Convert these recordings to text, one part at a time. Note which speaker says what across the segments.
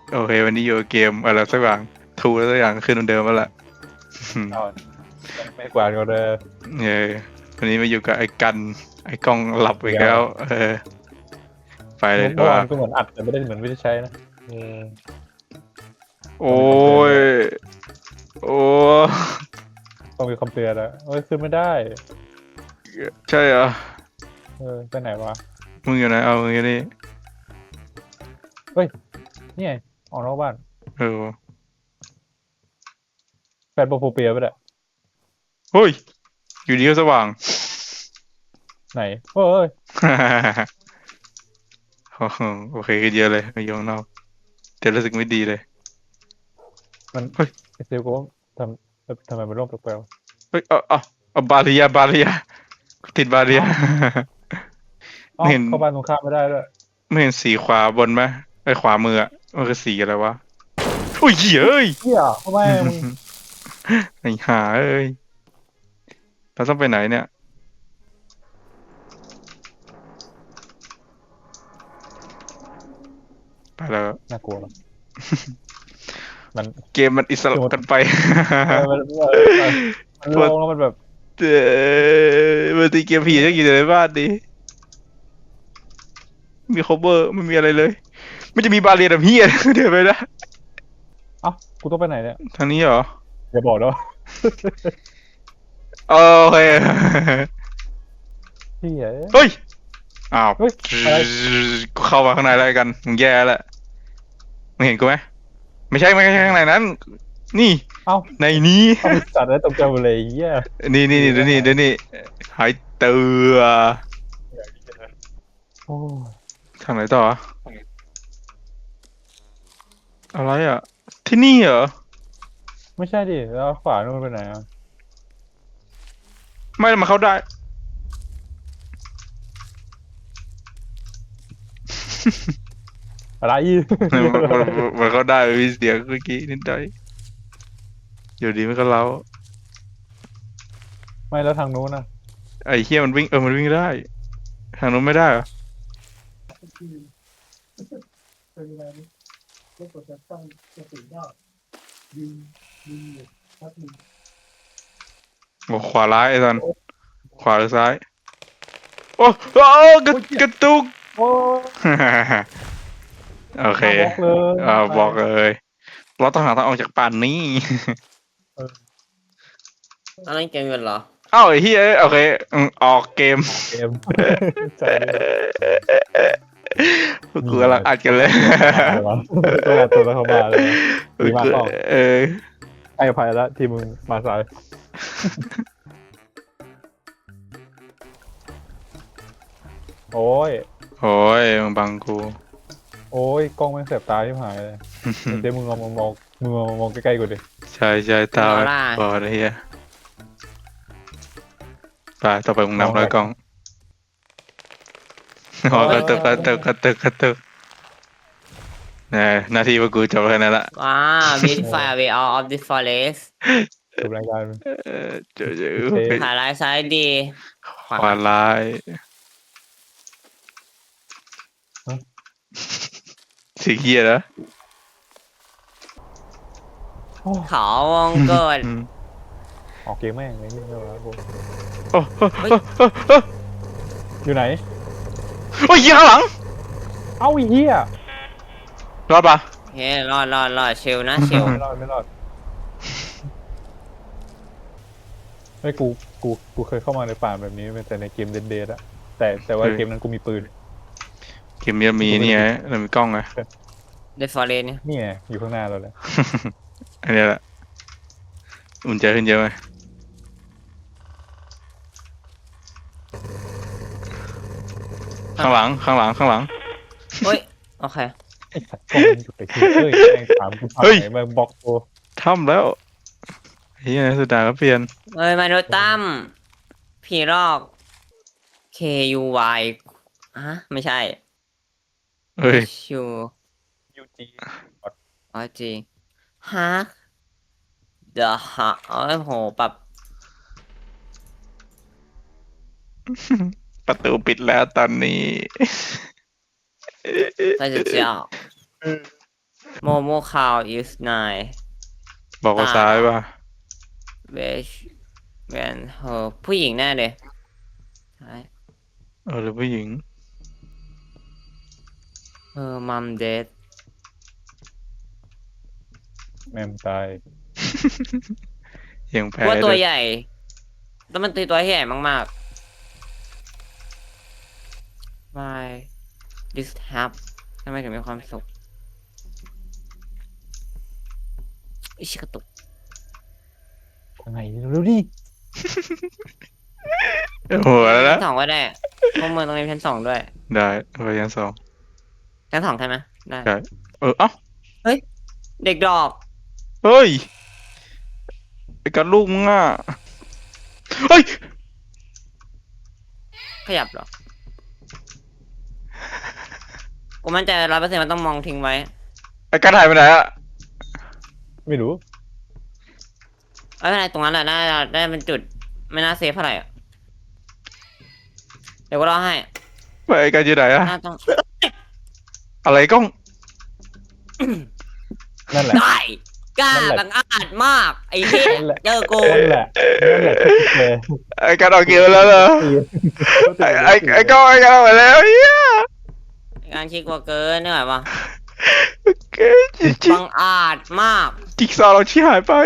Speaker 1: โอเควันนี้อยู่เกมอะไรสักอย่างทูแล้วสักอย่างขึ้นเหมือนเดิมแล้วล่ะ
Speaker 2: เอาไม่กวาดก็เลย
Speaker 1: เออวันนี้มาอยู่กับไอ้กันไอ้กล้องหลับอีกแล้วไปเลยดี
Speaker 2: เมื่อวา
Speaker 1: กว่า
Speaker 2: นก็เหมือนอัดแต่ไม่ได้เหมือนไม่ได้ใช้นะ
Speaker 1: โอ้ยโอ้
Speaker 2: ต้องมีคำเตือนแล้วขึ้นไม่ได้
Speaker 1: ใช่เหรอ
Speaker 2: ไปไหนวะ
Speaker 1: มึงอยู่ไหนเอามึงอยู่นี่
Speaker 2: นี่ไงออกนอกบ้าน
Speaker 1: เออ
Speaker 2: แฟนโปรโฟเปียไปแหละ
Speaker 1: เฮ้ยอยู่ดีก็สว่าง
Speaker 2: ไหนเฮ้ย
Speaker 1: โอเคขึ้นเยอะเลยมาอยู่ข้างนอกแต่รู้สึกไม่ดีเลย
Speaker 2: มัน
Speaker 1: เฮ้ย
Speaker 2: ไอเซลก็ทำไมมันร่มแปลก
Speaker 1: เฮ้ยเอาบาเรียติดบาเรีย
Speaker 2: ๆ
Speaker 1: ไม่เห็น
Speaker 2: เข้าบ้านตรงข้ามไม่ได้ด้วย
Speaker 1: ไม่เห็นสีขวาบนไหมไอ้ขวามืออะมันคือสีอะไรวะโอ้ยเฮ้ย
Speaker 2: เหี้ยทำไมมึง
Speaker 1: ไอ้ห่าเอ้ยเราต้องไปไหนเนี่ยไปแล้ว
Speaker 2: น่ากลัวมัน
Speaker 1: เกมมันอิสระกันไป
Speaker 2: มันลงแล้วมันแบบ
Speaker 1: มันตีเกมผีจะอยู่ในบ้านดิมีคอเวอร์ไม่มีอะไรเลยไม่จะมีบาเรียแบบเฮีย เดี๋ยวไปนะ
Speaker 2: กูต้องไปไหนเนี่ย
Speaker 1: ทางนี้เหรอ
Speaker 2: อย่าบอกนะ
Speaker 1: โอเค
Speaker 2: เหี้ย
Speaker 1: เฮ้ยอ้าว
Speaker 2: เฮ้ยอะไร
Speaker 1: กูเข้ามาข้างในแล้วกันมึงแย่แล้วมึงเห็นกูไหมไม่ใช่ข้างในนั้น นี่
Speaker 2: เอ้า
Speaker 1: ในนี้
Speaker 2: เอาไปจัดแล้วตกใจหมดเลยเหี้ย
Speaker 1: นี่เดี๋ยวนี่หายเตือ
Speaker 2: โอ้
Speaker 1: ทางไหนต่ออะอะไรอ่ะ ที่นี่เหรอ
Speaker 2: ไม่ใช่ดิแล้วขวานู่นไปไหนอ่ะ
Speaker 1: ไม่มาเข้าได้
Speaker 2: อะไร
Speaker 1: มันเข้าได้มีเสียงเมื่อกี้นิดหน่อยอยู่ดีมันก็เล้า
Speaker 2: ไม่แล้วทางนู้นนะ
Speaker 1: ไอ้เฮียมันวิ่งมันวิ่งได้ ทางนู้นไม่ได้เหรอบอกขวาร้ายไอ้สันขวาหรือซ้าย โอ้กระตุก
Speaker 2: โอ้
Speaker 1: โอเค
Speaker 2: บล็อกเลย
Speaker 1: บอกเลยเราต้องหาทางออกจากป่านนี้
Speaker 3: อันนั้นเกมกันเหรอ
Speaker 1: เอ้าไอ้เฮียโอเคออกเกม
Speaker 2: เกมใจ
Speaker 1: กูกำลังอัดกันเลย
Speaker 2: ตัวเข้ามาเลยดีมากเปล่า
Speaker 1: อ
Speaker 2: ให้อภัยแล้วที่มึงมาสายโอ้ย
Speaker 1: โอ้ยมึงบังกู
Speaker 2: โอ้ยกล้องแม่งเสียบตาที่หายเลยเดี๋ยวมึงมองใกล้ๆกูดิ
Speaker 1: ใช่ตา
Speaker 3: เอาล่ะ
Speaker 1: บอดไอ้เฮียไปต่อไปมึงนำร้อยกล้องกระตุกเนี่ยหน้าที่พวกกูจบแค่นั้นละ
Speaker 3: ว้า beautify way out of the forest
Speaker 2: จบรายการ
Speaker 1: เจอ
Speaker 3: ถ่ายไลฟ์ซ้ายดี
Speaker 1: ขวาร้ายสีเขียนะ
Speaker 3: เขาวงเกิด
Speaker 2: ออกเกมแม่งไอ้นี่ไม่รู้
Speaker 1: โอ้
Speaker 2: อยู่ไหน
Speaker 1: โอ้ยยิงข้างหลัง
Speaker 2: เอ้าไอ้เหี้ย
Speaker 1: รอดปะ
Speaker 3: เฮ้ยรอดเชลนะเชล
Speaker 2: ไม่รอดไอ้กูเคยเข้ามาในป่าแบบนี้แต่ในเกมเดดอะแต่ว่าเกมนั้นกูมีปืน
Speaker 1: เกมจะมีนี่ไงเรามีกล้องไง
Speaker 3: เดฟอเรสเนี่ย
Speaker 2: นี่ไงอยู่ข้างหน้าเราเลย
Speaker 1: อันนี้แหละอุ่นใจขึ้นเยอะไหมข้างหลัง
Speaker 3: เฮ้ย โอเค
Speaker 2: ไอ้สัตว์กล้องมันอยู่ไปที่แม่งถามกูทำไหนมาบล็อกตัว
Speaker 1: ทำแล้วเฮียสุดาก็เปลี่ยน
Speaker 3: เอ้ยมาโดตั้มผีรอก KUY ฮะ ไม่ใช่
Speaker 1: เฮ้ย
Speaker 3: ชู
Speaker 2: ยูจี
Speaker 3: อ๋อจริงฮะเดอะฮะโอ้ยโหปรับ
Speaker 1: ประตูปิดแล้วตอนนี้
Speaker 3: ใส่เจ้าโมโมคาว is nine
Speaker 1: บอกว่าซ้ายป่ะ
Speaker 3: which when her ผู้หญิงแน่เลยใช่
Speaker 1: หรือผู้หญิง
Speaker 3: her mom dead
Speaker 2: แม่มตาย
Speaker 1: ยังแพ้
Speaker 3: ว่าตัว
Speaker 1: ด้วย
Speaker 3: ใหญ่แล้วมันตัวใหญ่มากๆ why this happen ทำไมถึงมีความสุขอิชิกระตุก
Speaker 2: ยังไงรู้ดิ
Speaker 1: หัวแล้วนะ
Speaker 3: ชั้นสองก็ได้พวกมึงตรงนี้ชั้นสองด้วย
Speaker 1: ได้ไปยันสอง
Speaker 3: ชั้นสองใช่ไหมได้
Speaker 1: ใช่เอ้า
Speaker 3: เด็กดอก
Speaker 1: เฮ้ยไอ้กันลูกมึงอ่ะเฮ้ย
Speaker 3: ขยับเหรอ กูมั่นใจ100%มันต้องมองทิ้งไว้
Speaker 1: ไอ้กันหายไปไหนอ่ะ
Speaker 2: ไม่รู้
Speaker 3: ไม่เป็นไรตรงนั้นแหละน่าจะได้เป็นจุด ไม่น่าเซฟเท่าไหร่อะเดี๋ยวกูรอให้
Speaker 1: ไปไอ้กันอยู่ไหนอ่ะ
Speaker 3: น่าต้อง
Speaker 1: อะไรกล้อง
Speaker 2: นั่นแหละ
Speaker 3: ได้กล้า
Speaker 2: นั่นแหละ
Speaker 3: บังอาจมาก ไอ้เหี้ย
Speaker 2: นั่นแหละ
Speaker 3: เจอกู
Speaker 2: นั่นแหละที่คิดเลย
Speaker 1: ไอ้กันออกเกมแล้วเหรอไอ้กล้องไอ้กันออกไปแล้วเฮีย
Speaker 3: งานชิกกว่าเกินเหนื่อยว่ะ
Speaker 1: เก๋จริง
Speaker 3: บังอาจมาก
Speaker 1: ๆจิ๊กซอว์เราชี้หายไป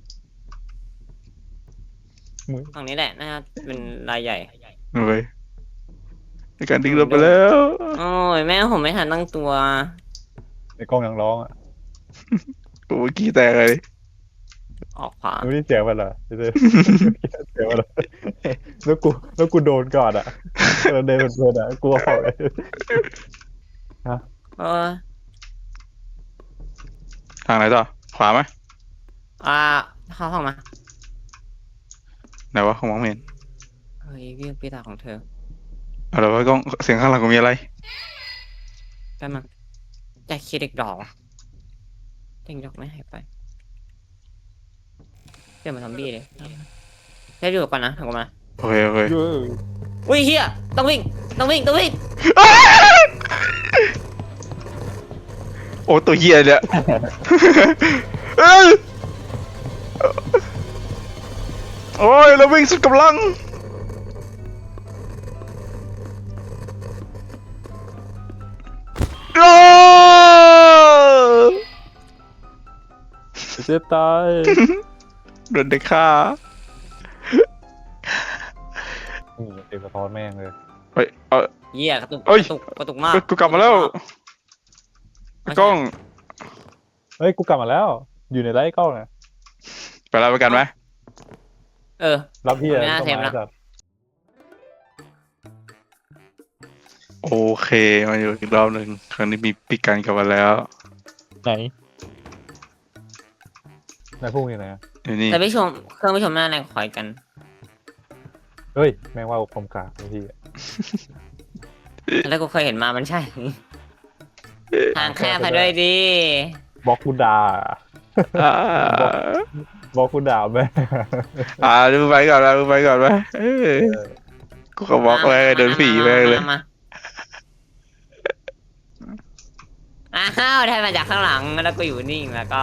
Speaker 3: ฝั่งนี้แหละน่าจะเป็นรายใหญ่
Speaker 1: เว้ยไอ้กันดึงเราไปแล้ว
Speaker 3: โอ้ยแม่ผมไม่ทันตั้งตัว
Speaker 2: ไอ้กล้องยังร้องอ่ะ
Speaker 1: โอ้ยขี้แตกเลย
Speaker 3: ออกขวา
Speaker 2: รู้ที่เสียงมันเหรอเสียงมันเหรอแล้วกูโดนก่อนอ่ะเราเดินเป็นเพื่อนอ่ะกลัวเขาเลย
Speaker 3: เออ
Speaker 1: ทางไหนต่อขวาไหม
Speaker 3: เข้าห้องมา
Speaker 1: ไหนวะของมองไม่เห็น
Speaker 3: เฮ้ยเรื่องปีศาจของเธอ
Speaker 1: เอาละวะกล้องเสียงข้างหลังกูมีอะไร
Speaker 3: แป๊บนึงแต่คิดเด็กดอกว่ะเด็กดอกไม่หายไปเดี๋ยวมาซอมบี้เลยได้ดูก่อนนะถึงกูมา
Speaker 1: โอเคโอเค
Speaker 3: อุ้ยเฮียต้องวิ่งต้องวิ่งต้องวิ่ง
Speaker 1: โอ้ตัวเหี้ยเนี่ยเอ้ยโอ้ยเราวิ่งสุดกำลังโอ้
Speaker 2: เจ็บตาย
Speaker 1: โดนเด็กฆ่า
Speaker 2: เต็มสะท้อนแม่งเลย
Speaker 1: เฮ้ยเอา
Speaker 3: เฮียกระตุก
Speaker 1: เอ้ย
Speaker 3: กระตุกมาก
Speaker 1: กูกลับมาแล้วกล้อง
Speaker 2: เฮ้ยกูกลับมาแล้ว อยู่ในไร่กล้องนะ
Speaker 1: ไปแล้วไปกันไหม
Speaker 3: เออ
Speaker 2: รับพี่อะ
Speaker 3: ไม่น่าเทปนะ
Speaker 2: จัด
Speaker 1: โอเคมาอยู่อีกรอบหนึ่งครั้งนี้มีปิกกันกลับมาแล้ว
Speaker 2: ไหนนายพุ่งอยู่ไหนอะ
Speaker 1: อยู่นี่
Speaker 3: แต่พี่ชมเครื่องพี่ชมหน้าแรงคอยกัน
Speaker 2: เฮ้ยแม่งว่าผมกากไอ้พี่อะ
Speaker 3: แล้วกูเคยเห็นมามันใช่ ทางแคบไปด้วยดิ
Speaker 2: บล็อกกูด่า
Speaker 1: อ่า
Speaker 2: บล็อกกูด่าแม่ง
Speaker 1: ดูไปก่อนนะดูไปก่อนไหมเออกูก็บอกไปโดนผีไปเลย
Speaker 3: มาอ้าวได้มาจากข้างหลังแล้วก็อยู่นิ่งแล้วก็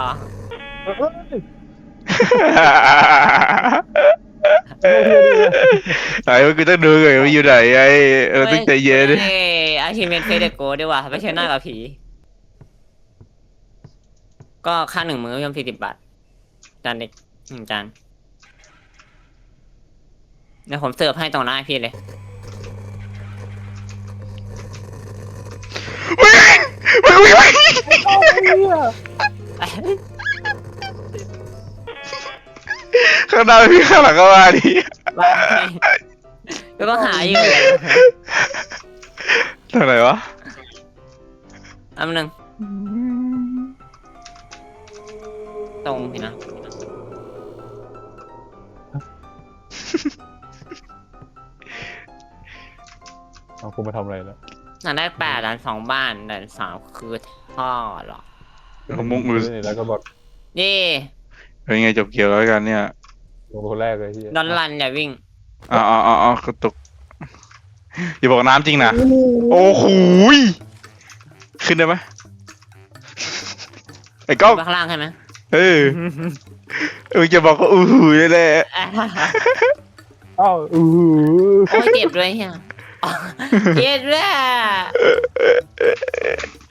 Speaker 1: ไอ้กูต้องดูก่อนว่าอยู่ไหนไอ้เราต้องใจเย็น
Speaker 3: อาชีพเฟเดโกด้วยว่ะไม่ใช่หน้ากับผี ก็ค่า1 มื้อพี่ชม40 บาท จานเล็ก1 จานเดี๋ยวผมเสิร์ฟให้ตรงหน้าพี่เลย
Speaker 1: วิ่งข้างหน้าพี่ข้างหลังก็มาดิ
Speaker 3: ว่าไงก็หาอยู่
Speaker 1: ทางไหนวะ
Speaker 3: อันนึงตรงพี่นะ
Speaker 2: เอากูมาทำอะไรแล้ว
Speaker 3: หลังได้8 ด่าน 2 บ้านด่าน 3 คือท่อเหรอ
Speaker 1: มุกมือ
Speaker 2: แล้วก็บอก
Speaker 3: นี่
Speaker 1: เป็นไงจบเกี่ยวแล้วกันเนี่ย
Speaker 2: ลงคนแรกเลยที่
Speaker 3: ดอนลันอย่าวิ่ง
Speaker 1: อ๋อกระตุกอย่าบอกน้ำจริงนะโอ้โหยขึ้นได้ไหมไอ้กล้อง
Speaker 3: ไปข้างล่างใช่ไหม
Speaker 1: เออมึงจะบอกว่าอู้หูแน่
Speaker 2: อ้าวอือ
Speaker 3: โอ้ยเจ็บด้วยเฮียอ๋อเจ็บด้วย